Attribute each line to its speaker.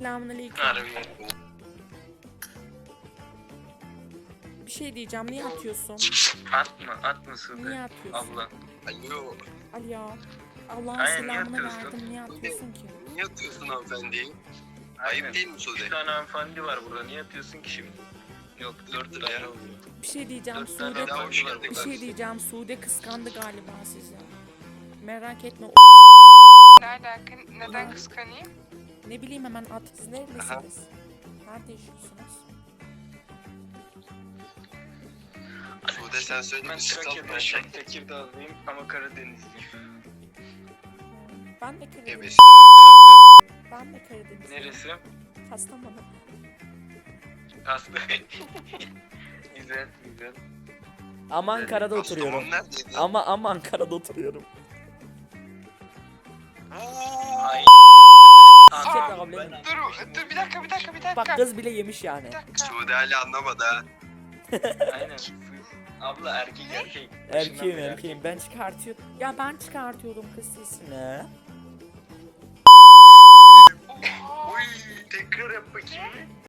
Speaker 1: Selamünaleyküm.
Speaker 2: Harbi.
Speaker 1: Bir şey diyeceğim. Niye atıyorsun?
Speaker 2: Atma Sude.
Speaker 1: Niye atıyorsun?
Speaker 2: Abla.
Speaker 3: Alo.
Speaker 1: Ali ya. Allah'ın
Speaker 2: Aynen, niye
Speaker 1: selamını
Speaker 2: atıyorsun?
Speaker 1: verdim. Niye atıyorsun ki?
Speaker 3: Niye atıyorsun hanımefendi?
Speaker 2: Aynen.
Speaker 3: Ayıp değil mi Sude?
Speaker 2: 3 tane hanımefendi var burada. Niye atıyorsun ki şimdi? Yok 4 tane oluyor.
Speaker 1: Bir şey diyeceğim.
Speaker 2: 4 tane
Speaker 1: Sude...
Speaker 2: hanımefendi var
Speaker 1: Bir
Speaker 2: burada.
Speaker 1: şey diyeceğim. Sude kıskandı galiba sizi. Merak etme.
Speaker 4: Ne alaka? Neden kıskanayım?
Speaker 1: Ne bileyim hemen at. Siz neredesiniz? Nerede yaşıyorsunuz?
Speaker 3: Sude sen söyle
Speaker 2: Ben
Speaker 3: bir sıkalım.
Speaker 2: Tekirdağ'dayım ama Karadenizliyim.
Speaker 1: Ben de Karadeniz.
Speaker 3: Evet.
Speaker 1: Ben de Karadeniz.
Speaker 2: Neresi?
Speaker 1: Kastamonu.
Speaker 2: Aslı. Güzel güzel.
Speaker 5: Ama Ankara'da oturuyorum.
Speaker 3: Kastamonu neredeydi?
Speaker 5: Ama Ankara'da oturuyorum.
Speaker 2: Ay.
Speaker 5: Siktir
Speaker 4: Aa,
Speaker 5: abi benim.
Speaker 4: Dur bir dakika.
Speaker 5: Bak kız bile yemiş yani.
Speaker 4: Bir dakika.
Speaker 3: Sude hala anlamadı ha.
Speaker 2: Aynen. Abla erkek.
Speaker 5: Erkeğim. Ben çıkartıyorum. Ya ben çıkartıyorum kız sesini.